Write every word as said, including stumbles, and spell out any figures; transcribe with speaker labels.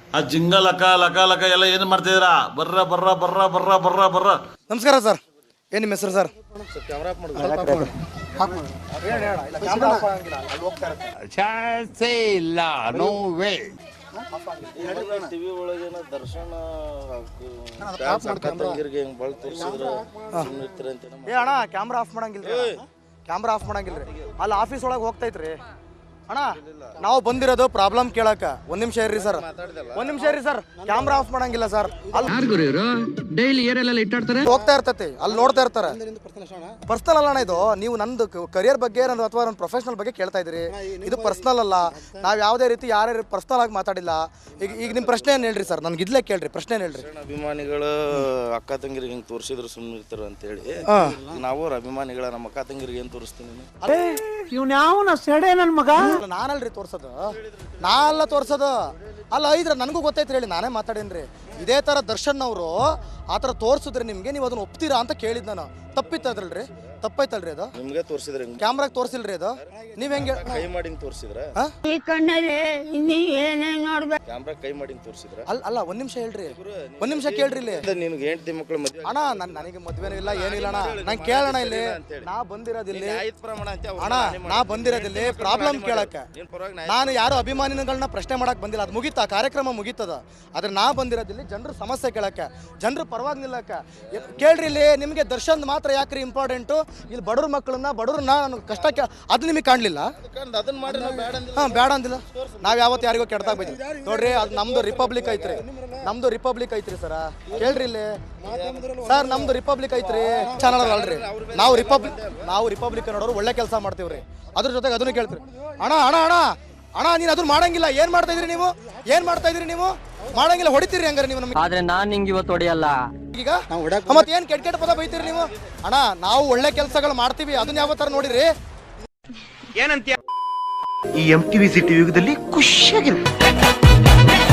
Speaker 1: ಆ ಜಿಂಗ ಲಕ ಲಕ ಲಕ ಎಲ್ಲ ಏನು ಮಾಡ್ತಿದ್ದೀರಾ? ಬರ್ರ ಬರ್ರ ಬರ್ರ ಬರ್ರ ಬರ್ರ ಬರ್ರ.
Speaker 2: ನಮಸ್ಕಾರ ಸರ್, ಏನು ನಿಮ್ಮ ಹೆಸರು ಸರ್?
Speaker 3: ಚಾನ್ಸೇ ಇಲ್ಲ, ನೋ ವೇ.
Speaker 4: ಟಿವಿ ಒಳಗೇನ ದರ್ಶನ ತಂಗಿರ್ಗೆ ಹೆಂಗ್ ಬಳ್ ತೋರಿಸಿದ್ರು
Speaker 2: ಏ ಅಣ್ಣ ಕ್ಯಾಮ್ರಾ ಆಫ್ ಮಾಡಂಗಿಲ್ರಿ, ಕ್ಯಾಮ್ರಾ ಆಫ್ ಮಾಡಂಗಿಲ್ರಿ. ಅಲ್ಲಿ ಆಫೀಸ್ ಒಳಗೆ ಹೋಗ್ತೈತ್ರಿ ಅಣ್ಣ. ನಾವು ಬಂದಿರೋದು ಪ್ರಾಬ್ಲಮ್ ಕೇಳಕ. ಒಂದ್ ನಿಮಿಷ ಇರ್ರಿ ಸರ್, ಒಂದ್ ನಿಮಿಷ ಇರ್ರಿ ಸರ್. ಕ್ಯಾಮ್ರಾ ಆಫ್ ಮಾಡಂಗಿಲ್ಲ ಸರ್. ಅಲ್ಲಿ
Speaker 5: ಡೈಲಿ ಏರೆಲ್ಲ ಇಟ್ಟಾಡ್ತಾರೆ,
Speaker 2: ಹೋಗ್ತಾ ಇರ್ತೈತಿ, ಅಲ್ಲಿ ನೋಡ್ತಾ ಇರ್ತಾರೆ. ಪರ್ಸನಲ್ ಅಲ್ಲ ಅಣ್ಣ ಇದು. ನೀವು ನಂದು ಕರಿಯರ್ ಬಗ್ಗೆ ನಂದು ಅಥವಾ ನನ್ನ ಪ್ರೊಫೆಷನಲ್ ಬಗ್ಗೆ ಕೇಳ್ತಾ ಇದ್ದೀರಿ. ಇದು ಪರ್ಸನಲ್ ಅಲ್ಲ. ನಾವು ಯಾವುದೇ ರೀತಿ ಯಾರ್ಯಾರು ಪರ್ಸನಲ್ ಆಗಿ ಮಾತಾಡಿಲ್ಲ. ಈಗ ಈಗ ನಿಮ್ಮ ಪ್ರಶ್ನೆ ಏನು ಹೇಳ್ರಿ ಸರ್? ನನ್ಗೆ ಇದ್ಲೇ ಕೇಳ್ರಿ, ಪ್ರಶ್ನೆ ಏನು ಹೇಳ್ರಿ?
Speaker 4: ಅಭಿಮಾನಿಗಳು ಅಕ್ಕ ತಂಗಿರಿಗೆ ಹೆಂಗ್ ತೋರಿಸಿದ್ರು ಸುಮ್ಮನೆ ಇರ್ತಾರ ಅಂತ ಹೇಳಿ ನಾವು ಅಭಿಮಾನಿಗಳ ನಮ್ಮ ಅಕ್ಕ ತಂಗಿರಿಗೆ ಏನ್ ತೋರಿಸ್ತೀನಿ?
Speaker 5: ಇವ್ನ ಯಾವನ ಸೆಡೆ ನನ್ ಮಗ.
Speaker 2: ನಾನಲ್ರಿ ತೋರ್ಸೋದು, ನಾನೆಲ್ಲ ತೋರ್ಸೋದು ಅಲ್ಲ. ಐದ್ರ ನನಗೂ ಗೊತ್ತೈತ್ರಿ, ಹೇಳಿ ನಾನೇ ಮಾತಾಡೇನ್ರಿ. ಇದೇ ಥರ ದರ್ಶನ್ ಅವರು ಆ ಥರ ತೋರಿಸಿದ್ರೆ ನಿಮಗೆ ನೀವು ಅದನ್ನ ಒಪ್ತೀರಾ ಅಂತ ಕೇಳಿದ್ ನಾನು. ತಪ್ಪಿತ್ತದ್ರಲ್ರಿ, ತಪ್ಪೈತಲ್ರಿ ಅದು?
Speaker 4: ನಿಮ್ಗೆ ತೋರಿಸಿದ್ರೆ
Speaker 2: ಕ್ಯಾಮ್ರಾಗ ತೋರಿಸಿಲ್ರಿ ಅದು. ನೀವ್ ಹೆಂಗೆ
Speaker 4: ಕೈ ಮಾಡಿ ತೋರಿಸಿದ್ರ? ಕ್ಯಾಮ್ರಾ ಕೈ ಮಾಡಿ ತೋರಿಸಿದ್ರ?
Speaker 2: ಅಲ್ಲ ಅಲ್ಲ ಒಂದ್ ನಿಮಿಷ ಹೇಳ್ರಿ, ಒಂದ್ ನಿಮಿಷ ಕೇಳ್ರಿ. ಇಲ್ಲಿ
Speaker 4: ನಿಮ್ಗೆ ಹೆಂಡತಿ ಮಕ್ಕಳು ಮದ್ವೆ
Speaker 2: ಅಣ್ಣ, ನನ್ ನನಗೆ ಮದ್ವೆನೂ ಇಲ್ಲ ಏನಿಲ್ಲ ಅಣ್ಣ. ನಂಗೆ ಕೇಳೋಣ ಇಲ್ಲಿ. ನಾ ಬಂದಿರೋದಿಲ್ಲಿ ಅಣ್ಣ, ನಾ ಬಂದಿರೋದಿಲ್ಲಿ ಪ್ರಾಬ್ಲಮ್ ಕೇಳಕ್ಕೆ. ನಾನು ಯಾರು ಅಭಿಮಾನಿಗಳನ್ನ ಪ್ರಶ್ನೆ ಮಾಡಕ್ ಬಂದಿಲ್ಲ. ಅದು ಮುಗೀತಾ, ಕಾರ್ಯಕ್ರಮ ಮುಗೀತದ. ಆದ್ರೆ ನಾ ಬಂದಿರೋದಿಲ್ಲಿ ಜನರ ಸಮಸ್ಯೆ ಕೇಳಕ್ಕೆ, ಜನರು ಪರವಾಗಿ ನಿಲ್ಲಕ್ಕೆ. ಕೇಳ್ರಿ ಇಲ್ಲಿ, ನಿಮಗೆ ದರ್ಶನ್ ಮಾತ್ರ ಯಾಕ್ರಿ ಇಂಪಾರ್ಟೆಂಟು? ಇಲ್ಲಿ ಬಡವ್ರ ಮಕ್ಕಳನ್ನ ಬಡವ್ರನ್ನ ನನಗೆ ಕಷ್ಟಕ್ಕೆ ಅದು ನಿಮಗೆ ಕಾಣಲಿಲ್ಲ? ಹಾಂ, ಬೇಡ ಅಂದಿಲ್ಲ. ನಾವು ಯಾವತ್ತು ಯಾರಿಗೋ ಕೆಡ್ದಾಗ ಬೈತೀವಿ ನೋಡ್ರಿ. ಅದು ನಮ್ದು ರಿಪಬ್ಲಿಕ್ ಐತ್ರಿ, ನಮ್ದು ರಿಪಬ್ಲಿಕ್ ಐತ್ರಿ ಸರ. ಕೇಳ್ರಿ ಇಲ್ಲಿ ಸರ್, ನಮ್ದು ರಿಪಬ್ಲಿಕ್ ಐತ್ರಿ, ಚಾನಲ್ ಅಲ್ರಿ. ನಾವು ರಿಪಬ್ಲಿಕ್ ನಾವು ರಿಪಬ್ಲಿಕ್ ನೋಡೋರು ಒಳ್ಳೆ ಕೆಲಸ ಮಾಡ್ತೀವ್ರಿ. ಅದ್ರ ಜೊತೆಗೆ ಅದನ್ನು ಕೇಳ್ತೀರಿ. ಅಣ್ಣ ಅಣ್ಣ ಅಣ್ಣ ಅಣ್ಣ ನೀನು ಅದನ್ನ ಮಾಡಂಗಿಲ್ಲ. ಏನ್ ಮಾಡ್ತಾ ಇದೀರಿ ನೀವು? ಏನ್ ಮಾಡ್ತಾ ಇದೀರಿ ನೀವು? ಮಾಡಂಗಿಲ್ಲ, ಹೊಡಿತೀರಿ ಹಂಗಾರೆ ನೀವು ನಮಗೆ.
Speaker 5: ಆದ್ರೆ ನಾನ್ ನಿಂಗೆ ಇವತ್ತು ಹೊಡೆಯಲ್ಲ.
Speaker 2: ಈಗ ಮತ್ತೆ ಏನ್ ಕೆಟ್ಟ ಕೆಟ್ಟ ಪದ ಬೈತೀರಿ ನೀವು? ಅಣ್ಣ, ನಾವು ಒಳ್ಳೆ ಕೆಲಸಗಳು ಮಾಡ್ತೀವಿ, ಅದನ್ನ ಯಾವ ತರ ನೋಡಿರಿ.
Speaker 6: ಏನಂತ ಈ ಎಂ ಟಿವಿ ಸಿಟಿ ಯುಗದಲ್ಲಿ ಖುಷಿಯಾಗಿರುತ್ತೆ.